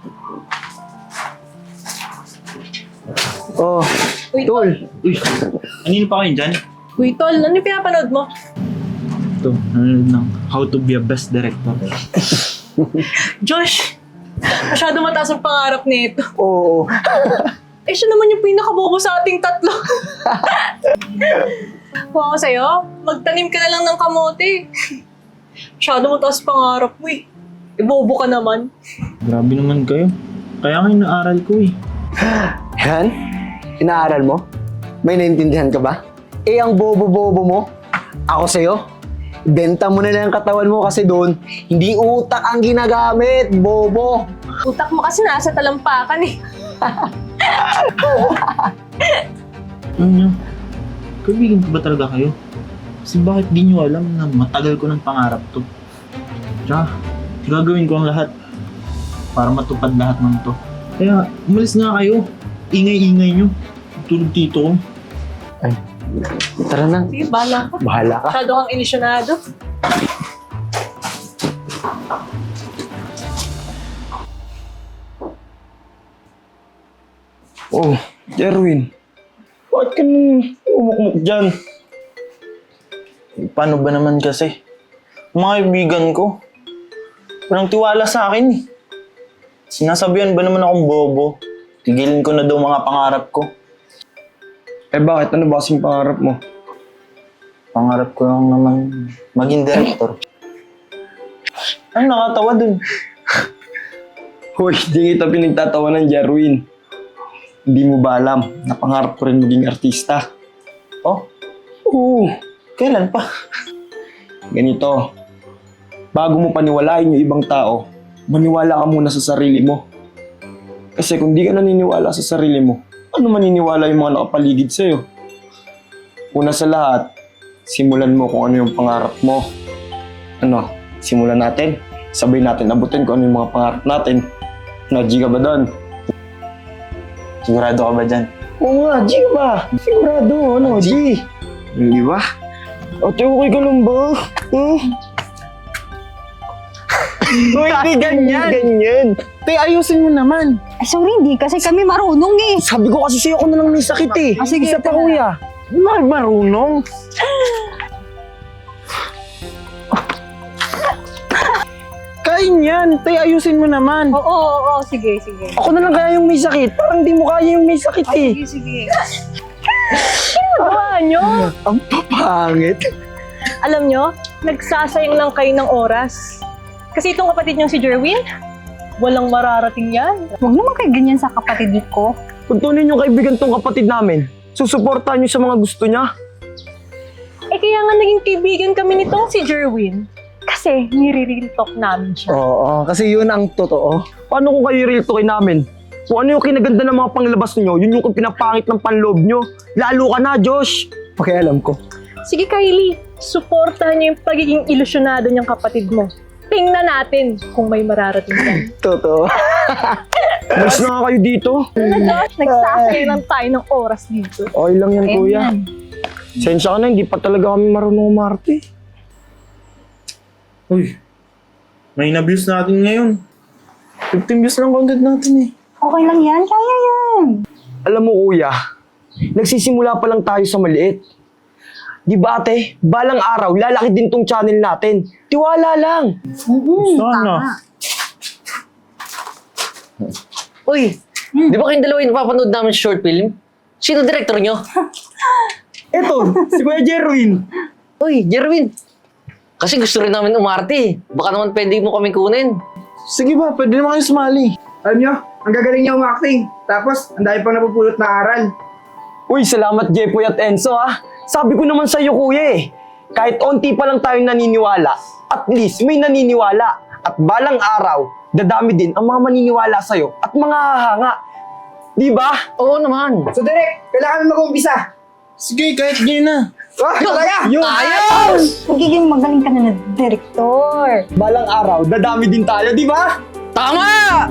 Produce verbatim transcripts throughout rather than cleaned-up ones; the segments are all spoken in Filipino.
Oh, Uy, Tol. Uy, kanino pa kayo dyan? Uy, Tol, ano yung pinapanood mo? Ito, nanonood ng How to be a Best Director. Josh, masyado mataas ang pangarap nito. Oo. Eh, siya naman yung pinakabobo sa ating tatlo. Kung ako sa'yo, magtanim ka na lang ng kamote. Masyado mataas pangarap mo eh. Eh, bobo ka naman. Grabe naman kayo. Kaya nga inaaral ko eh. Yan? Inaaral mo? May naintindihan ka ba? Eh, ang bobo-bobo mo, ako sa'yo, benta mo na lang ang katawan mo kasi doon, hindi utak ang ginagamit, bobo. Utak mo kasi nasa talampakan eh. Ano nyo? Kaibigan ko ba talaga kayo? Kasi bakit di nyo alam na matagal ko ng pangarap to? Tsaka, gagawin ko ang lahat para matupad lahat ng to. Kaya, umalis nga kayo. Ingay-ingay nyo. Tulog tito ko. Ay, tara na. Sige, bahala ka. Bahala ka. Masyado kang ilisyonado. Oh, Jerwin. Bakit ka nang umukmuk dyan? Paano ba naman kasi? Mga kaibigan ko, walang tiwala sa akin eh. Sinasabihan ba naman akong bobo? Tigilin ko na daw mga pangarap ko. Eh bakit? Ano ba kasing pangarap mo? Pangarap ko lang naman maging director. Ano nakatawa dun? Hoy, di kita pinagtatawanan, Jerwin. Hindi mo ba alam na pangarap ko rin maging artista? Oh, Oo. kailan pa? Ganito. Bago mo paniwalain yung ibang tao, maniwala ka muna sa sarili mo. Kasi kung di ka naniniwala sa sarili mo, ano maniniwala yung mga nakapaligid sa'yo? Una sa lahat, simulan mo kung ano yung pangarap mo. Ano, simulan natin. Sabay natin abutin kung ano yung mga pangarap natin. Na, G ka ba doon? Sigurado ka ba dyan? Oo nga, G ka ba? Sigurado, ano, G? Hindi ba? Ate, okay ka lang ba? Hmm? Uy, di ganyan! Ganyan. Te, ayusin mo naman. Ay, sorry, hindi kasi kami marunong eh. Sabi ko kasi sa'yo ako na lang may sakit eh. Ah, sige, Isa pa, ito na. kuya. Mar marunong. Kain yan. Tay, ayusin mo naman. Oo, oo, oo, sige, sige. Ako na lang kaya yung may sakit. Parang di mo kaya yung may sakit eh. Sige, sige. Gawa nyo. Ang papangit. Alam nyo, nagsasayang lang kayo ng oras. Kasi itong kapatid niyong si Jerwin, walang mararating yan. Huwag naman kayo ganyan sa kapatid ko. Kung tunay yung kaibigan tong kapatid namin, susuportahan niyo sa mga gusto niya. Eh kaya nga naging kaibigan kami nitong si Jerwin. Kasi nire-real talk namin siya. Oo, kasi yun ang totoo. Paano kung kayo real talkin namin? Kung ano yung kinaganda ng mga panglabas niyo, yun yung pinapangit ng panloob niyo. Lalo ka na, Josh. Pakialam ko. Sige Kylie, suportahan niyo yung pagiging ilusyonado niyang kapatid mo. Tingnan natin kung may mararating ka. Totoo. Mas na nga kayo dito. Ano Josh, nagsasayang lang tayo ng oras dito. Okay lang yan, kuya. Sensya ka na, hindi pa talaga kami marunong umarte. Uy, may na-views natin ngayon. fifteen views lang content natin eh. Okay lang yan, kaya yan. Alam mo, kuya, nagsisimula pa lang tayo sa maliit. Di ba ate, balang araw, lalaki din tong channel natin. Tiwala lang. Sana. Uy, di ba kayong dalawa yung napapanood namin sa short film? Sino director nyo? Eto, si Kuya Jerwin. Uy, Jerwin. Kasi gusto rin namin umarte eh. Baka naman pwede mo kaming kunin. Sige ba, pwede naman kayo sumali. Alam nyo, ang gagaling niya umacting. Tapos, ang dami pang napupulot na aral. Uy, salamat Jepoy at Enzo ah. Sabi ko naman sa'yo kuya eh. Kahit onti pa lang tayong naniniwala, at least may naniniwala. At balang araw, dadami din ang mga maniniwala sa'yo at mga hahanga. Di ba? Oo naman. So, Direk, kailangan mag-umpisa. Sige, kahit ganyan na. Oh, kaya! Yun! Ayos! Magiging magaling ka na na direktor. Balang araw, dadami din tayo, di ba? Tama!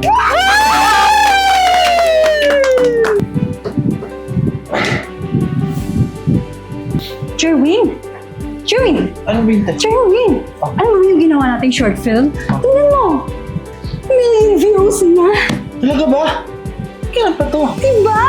Jerwin! Jerwin! Ano ba yun? Jerwin! Ano ba yung ginawa nating short film? Tingnan mo! Million views na! Talaga ba? Kailan pa to? Diba?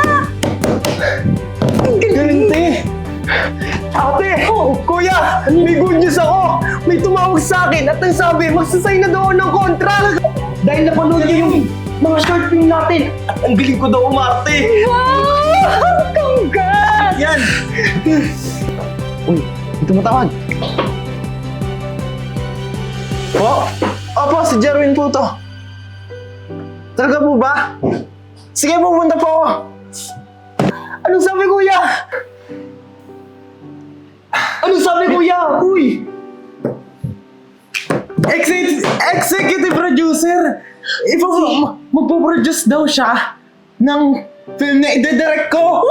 Galing, te! Ate! Kuya! May good news ako! May tumawag sa akin at ang sabi, magsasay na daw ako ng contract! Dahil napanood niya yung mga short film natin at ang galing ko daw umarte! Wow! Congrats! Yan! Uy, may tumatawag! Po? Opo, si Jerwin po to. Talaga po ba? Sige, pupunta po ako. Anong sabi, kuya? Anong sabi, kuya? Uy! Exec- executive producer! Ipo, magpo-produce daw siya ng film na ide-direct ko!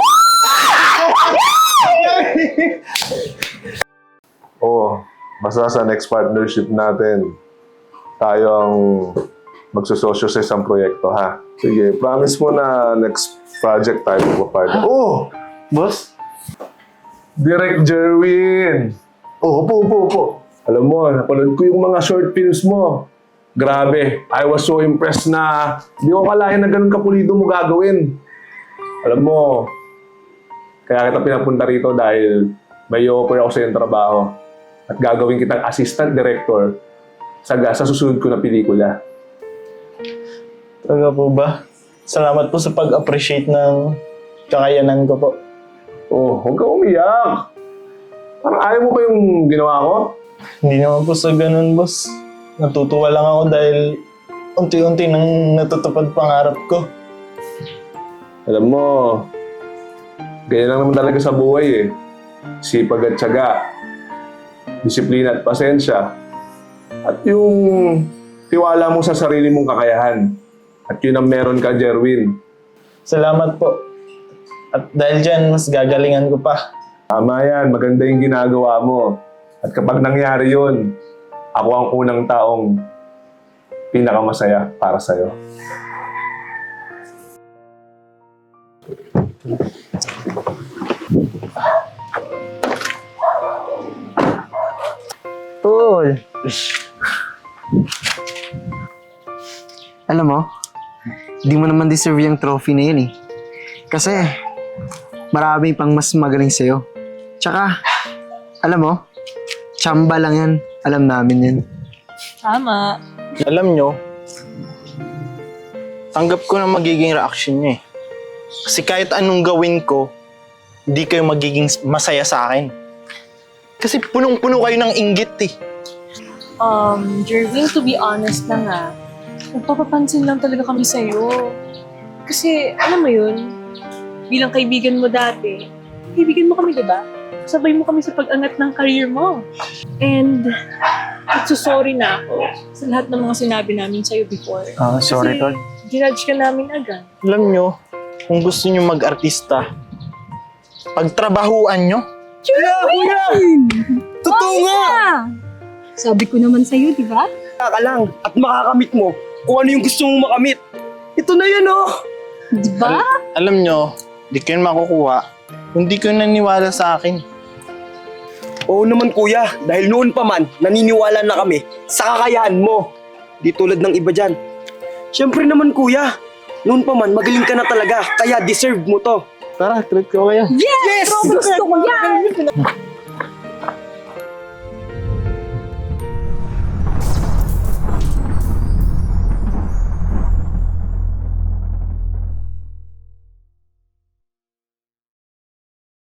Oo, basta sa next partnership natin, tayo ang magsososyo sa isang proyekto, ha? Sige, promise mo na next project tayo magpa-partner. Oh! Boss? Direct Jerwin! Oh, upo, upo, upo. Alam mo, napanood ko yung mga short films mo. Grabe, I was so impressed na di ko kalahin na ganun kapulido mo gagawin. Alam mo, kaya kita pinapunta rito dahil may offer ako sa iyong trabaho at gagawin kitang assistant director sa, sa susunod ko na pelikula. Talaga po ba? Salamat po sa pag-appreciate ng kakayanan ko po. Oh, huwag ka umiyak. Parang ayaw mo pa yung ginawa ko? Hindi naman po sa ganun, boss. Natutuwa lang ako dahil unti-unti nang natutupad pangarap ko. Alam mo, ganyan lang naman talaga sa buhay eh. Sipag at tiyaga, disiplina at pasensya, at yung tiwala mo sa sarili mong kakayahan. At yun ang meron ka, Jerwin. Salamat po. At dahil dyan, mas gagalingan ko pa. Tama yan, maganda yung ginagawa mo. At kapag nangyari yun, ako ang unang taong pinakamasaya para sa'yo. Tol! Alam mo, di mo naman deserve yung trophy na yun eh. Kasi, marami pang mas magaling sa'yo. Tsaka, alam mo, tsamba lang yan. Alam namin yan. Tama. Alam nyo, tanggap ko na magiging reaction nyo eh. Kasi kahit anong gawin ko, hindi kayo magiging masaya sa akin. Kasi punong-puno kayo ng inggit eh. Um, Jerwin, to be honest lang ah, nagpapapansin lang talaga kami sa'yo. Kasi, alam mo yun, bilang kaibigan mo dati, kaibigan mo kami, di ba? Sabay mo kami sa pag-angat ng career mo. And, sorry na ako sa lahat ng mga sinabi namin sa'yo before. Ah, sorry, Tol. Kasi, ginudge ka namin agad. Alam nyo, kung gusto nyo mag-artista, pagtrabahuan nyo. Totoo nga! Sabi ko naman sa'yo, di ba? Ka lang at makakamit mo kung ano yung gusto mong makamit. Ito na yan, oh! Di ba? Alam nyo, di kayo makukuha kung di kayo naniwala sa akin. Oo naman, kuya. Dahil noon pa man, naniniwala na kami sa kakayahan mo. Di tulad ng iba dyan. Siyempre naman, kuya. Noon pa man, magaling ka na talaga. Kaya deserve mo to. Tara, treat ko kayo. Yes! Gusto ko yan!